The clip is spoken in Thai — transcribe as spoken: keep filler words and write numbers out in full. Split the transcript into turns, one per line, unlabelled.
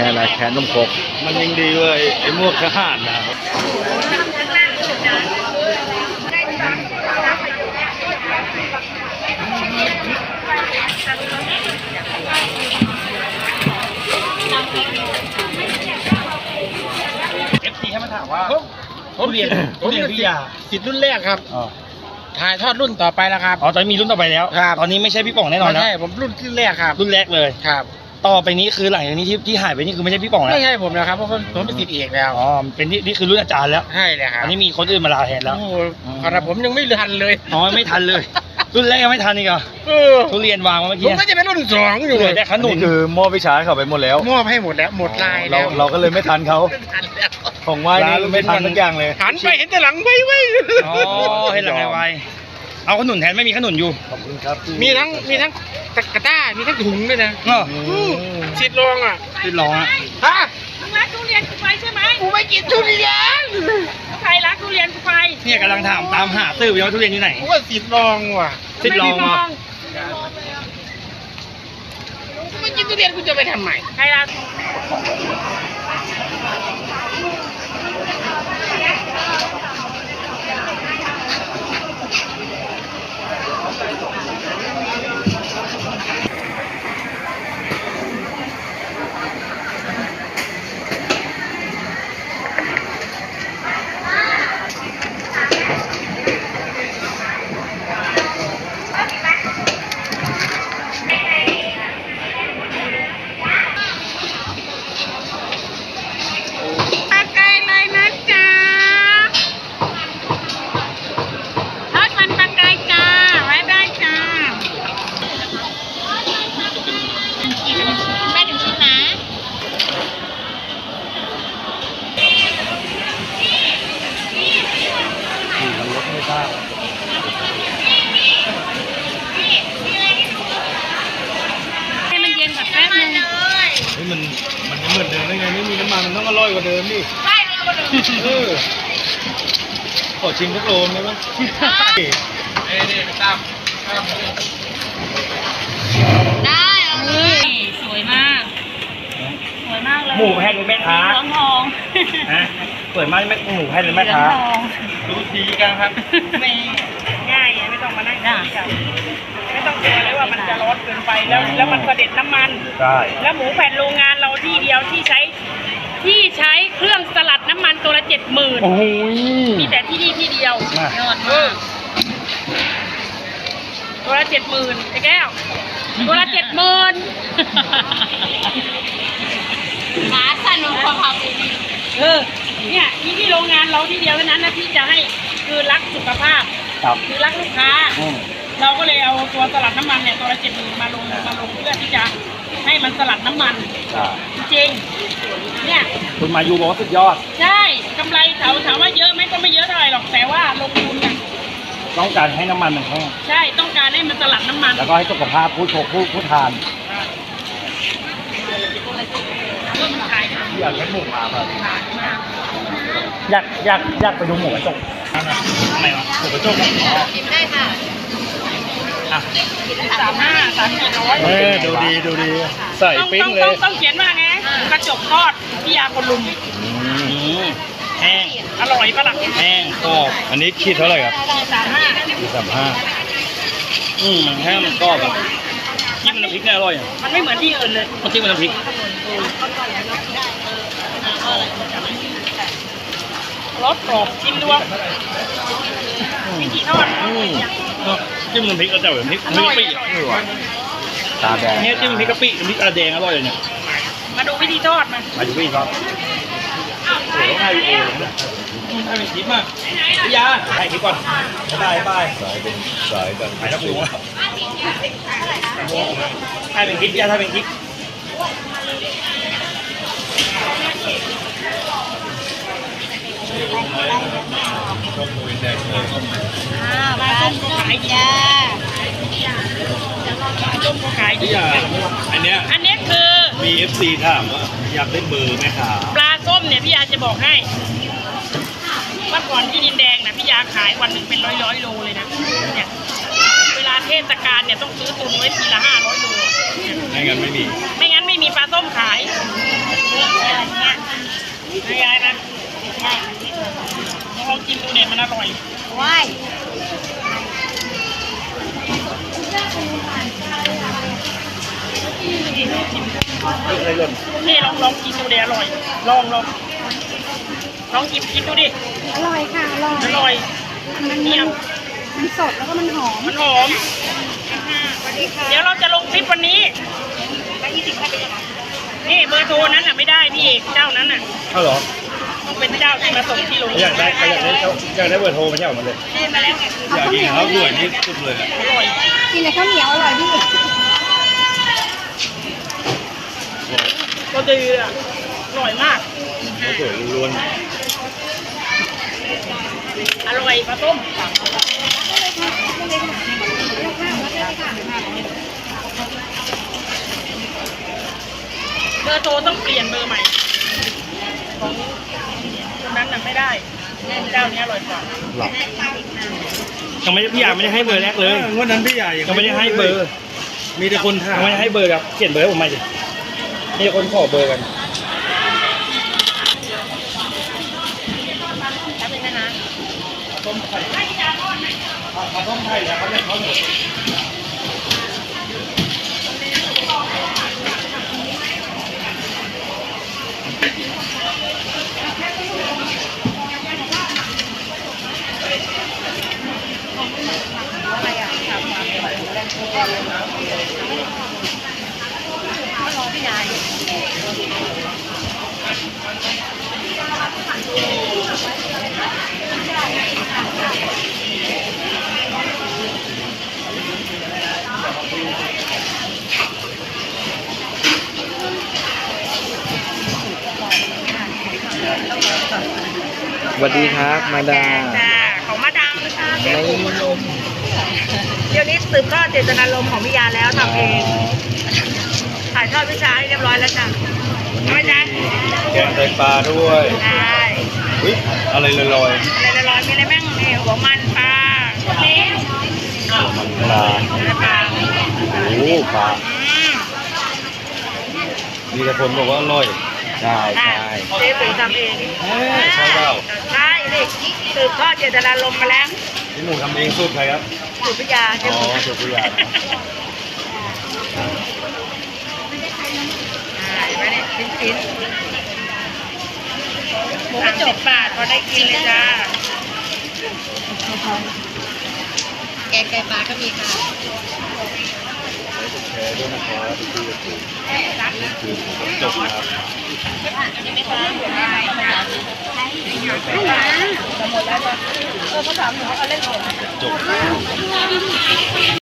ค่อะไรแค่นมครกมันยังดีเลยไอ้มวกทหารนะ
เอฟซีให้มาถามว่าผมเรียนผมเรียนวิทยาสิทธิ์รุ่นแรกครับถ่ายทอดรุ่นต่อไปแล้วครับ
อ๋อตอนนี้มีรุ่นต่อไปแล้วครับตอนนี้ไม่ใช่พี่ป๋องแน่นอนนะ
ใช่ผมรุ่นรุ่นแรกครับ
รุ่นแรกเลย
ครับ
ต่อไปนี้คือหลังจากนี้ที่ที่หายไปนี่คือไม่ใช่พี่ป๋องแล้ว
ไม่ใช่ผมแล้วครับเพราะผมเป็นศิษย์เอกแล้ว
อ๋อเป็นนี่นี่คือรุ่นอาจารย์แล้ว
ใช่เลยครับ
อันนี้มีคนอื่นมาลาแทนแล้ว
โอ้โหขนาดผมยังไม่ทันเลย
อ๋อไม่ทันเลยรุ่นแรกยังไม่ทันอีกเหรอทุเรียนวางมาเมื่อกี้
ผมก็จะเป็นรุ่นสองอยู่เลย
แต่ขนุน
คือมอบวิชาเขาไปหมดแล้ว
มอบให้หมดแล้วหมดลาย
เราเราก็เลยไม่ทันเขาของไหว้นี่ไม่ทันสักอย่างเลย
หันไปเห็นแต่หลังไว้ไว้
อ๋อเห็นหลังไว้เอาขนุนแทนไม่มีขนุนอยู่
ขอบคุณครับ
มีทั้งมีทั้งกระต้ามีทั้งถุงด้วยนะชิดลองอ่ะ
ชิดลองอ่ะ
ฮะ
มึงรักทุเรียนกูไปใช่ไหม
กูไม่กินทุเรียน
ใครรักทุเรียนกูไป
เนี่ยกำลังถามตามหาซื้อว่าทุเรียนที่ไหน
กูว่าชิดลองว่ะ
ชิดลองอ่ะ
ไม่กินทุเรียนกูจะไปทำไม
ใครรักให้มันเย็นกับแป๊บนึง
เฮ้ยมันมันเหมือนเดิมได้ไงไม่มีน้ำมันมันต้องอร่อยกว่าเดิมดิ
ใช่อร่อยกว่าเดิม
เออขอชิมทุกโลได้ไหมเอ๊ะนี่ไปตาม
ได้เลยสวยมากสวยมากเลย
หมูแพทย์หรือแม่ค้า
เหลืองทอง
ฮะเปิดมาไม่หมูแพทย์หรือแม่ค้า
ดูดีกันครับ
ไม่ง่ายไม่ต้องมานั่งกินกันไม่ต้องกลัวเลยว่ามันจะร้อนเกินไปแล้วแล้วมันเสด็จน้ำมัน
ใช่
แล้วหมูแผ่นโรงงานเราที่เดียวที่ใช้ที่ใช้เครื่องสลัดน้ำมันตัวละเจ็ดหมื่น
โอ้ย
มีแต่ที่นี่ที่เดียวยอดมากตัวละเจ็ดหมื่นไอ้แก้วตัวละเจ็ดหมื่นหาสนุกกว่าเขาเออเนี่ยที่ที่โรงงานเราที่เดียวเท่านั้นนะที่จะให้คือรักสุขภาพคือรักลูกค้าเราก็เลยเอาตัวสลัดน้ำมันเนี่ยตัวละเจ็ดหมื่นมาลงมาลงเพื่อที่จะให้มันสลัดน้ำมันจริงเนี่ย
คุณมายูบอกว่าสุดยอด
ใช่กำไรถามถามว่าเยอะไหมก็ไม่เยอะเท่าไหร่หรอกแต่ว่าลงทุนอ่ะ
ต้องการให้น้ำมันมันแห้ง
ใช่ต้องการให้มันสลัดน้ำมัน
แล้วก็ให้สุขภาพผู้ชกผู้ผู้ทานอยากให้หมูมาแบบอยากอยากอยากไปดูหมูกระจกทำไมวะหมูกระจก
กินได้ค่ะ
อ่ะ
สามห้าสามสี่ร้อย
เออดูดีดูดีใส่ปิ้งเลย
ต้องเขียนว่าไงกระจกทอดพี่ยาคนลุม
แห้ง
อร่อยปะล่ะ
แห้งกรอบ
อันนี้คิดเท่าไหร่ครับ
สามห้า
สามห้า
อืมมันแห้งมันกรอบแบบจิ้มน้ำพริกเนี่ยอร่อยอ่ะ
มันไม่เหมือนที่อื่นเลย
มันจิ้มน้ำพริก
รสกรอบจิ้มด้วยวิธีทอด
จิ้มน้ำพริกก็จะแบบพริกพริกกะปิ
ตาแดง
เนี่ยจิ้มพริกกะปิพริกกระแดงอร่อยเลยเนี่ย
มาดูวิธีทอดมัน
มาดูวิธีทอดโอ้โหให้เองให้เป็นคลิปมากพี่ยาให้คลิปก่อนบายบาย
สายเป็นสายกัน
ไปแล้วกูให้เป็นคลิปยาให้เป็นคลิป
อ่าปลาส้มก็ขายดีปลาส้มก็ขายดี
อันเนี้ย
อันนี้คือ
มี เอฟ ซี ถามว่าอยากได้เบอร์ไหมครับ
ปลาส้มเนี่ยพี่ยาจะบอกให้เมื่อก่อนที่ดินแดงนะพี่ยาขายวันหนึ่งเป็นร้อยร้อยโลเลยนะเนี่ยเวลาเทศกาลเนี่ยต้องซื้อตุนไว้ทีละห้าร้อยโล
ไม่งั้นไม่มี
ไม่งั้นไม่มีปลาส้มขาย
เ
ไม่ยายนะยายลองกินดูเนี่ยมันอร่อย
ว้าย
อะไรหล่น
นี่ลองลองกินดูเดี๋ยวอร่อย ลองลองลองหยิบกินดูดิ
อร่อยค่ะอร่อย
อร่อย
มัน
เนี่
มัน
ย
มันสดแล้วก็มันหอม
มันหอม
สวัสดีค่ะ
เดี๋ยวเราจะลงคลิปวันนี้
แล้วยี่สิบห้าเป็นยังไง
นี่เบอร์โทรนั้นน่ะไม่ได้พี่เอกเจ้านั้นน่ะ
เอาเหรอ
ต้องเป็นเจ้าที่มาส่งที่โรง
อยากได้อยากได้อยากได้เบอร์โทรมาใช่ไหมมันเลย
ได้มาแล้วไง
อยากกินข้าวสวยนี่สุดเลยอะ
อร่อย
กินแต่ข้าวเหนียวอร่อยพี่
ก็ดีอ่ะอร่อยมาก
ข้าวสวยล้วน
อร่อยปลาต้มเบอร์โทรต้องเปลี่ยนเบอร์ใหม่ของคนนั้นน่ะไม่ได้เจ้านี้อร่อยกว่า
หลับยังไม่ได้พี่ยาไม่ได้ให้เบอร์แรกเลย
งวดนั้นพี่ใหญ่
ยังไม่ได้ให้เบอร์
มีแต่คนถาม
ยังไม่ได้ให้เบอร์ครับเขียนเบอร์ให้ผมมาสิมีคนขอเบอร์กัน
ต้มไข่ปลาต้มไข่แล้วเขาเรียกเขาหมด
สวัสดีครับมาดา
จ้าของมาดามนะคะเจ๊ปูคุณลุงเดี๋ยวนี้สืบทอดเจตนารมณ์ของพิยาแล้วทำเองถ่ายทอดวิชาให้เรียบร้อยแล้วจ้ะไม่จ้ะ
แกงไตปลาด้วย
ใช่
อุ้ยอะไรลอย
อะไรละร้อยมีอะไรบ้างนี่หัวมันปลาเนี้
ๆมันปลา
ปลา
โอ้ปลา
อืม
มีแต่คนบอกว่าอร่อย
ใช่
ใช่
ใช่
เจ๊ปูทำเอง
เอ้ยใช่เปล่า
ใช่นี่สืบทอดเจตนารมณ์มาแล้ว
พี่หมูทำเองสูตรใครครับ
สูตรพิยาเจ๊
อ๋อ
ปู
สูตรพี่ใหญ่
ใช่ไว้เนี่ยชิ้นๆหมูกระจกบาทพอได้กินเลยจ้าแกงไก่ปลาก็มีค่ะ
แชร์ด้วยนะครับพี่พี่ถูกคือจบนะครับ
เออเขาถามหนูว่าเขาเล่นหมด
จบ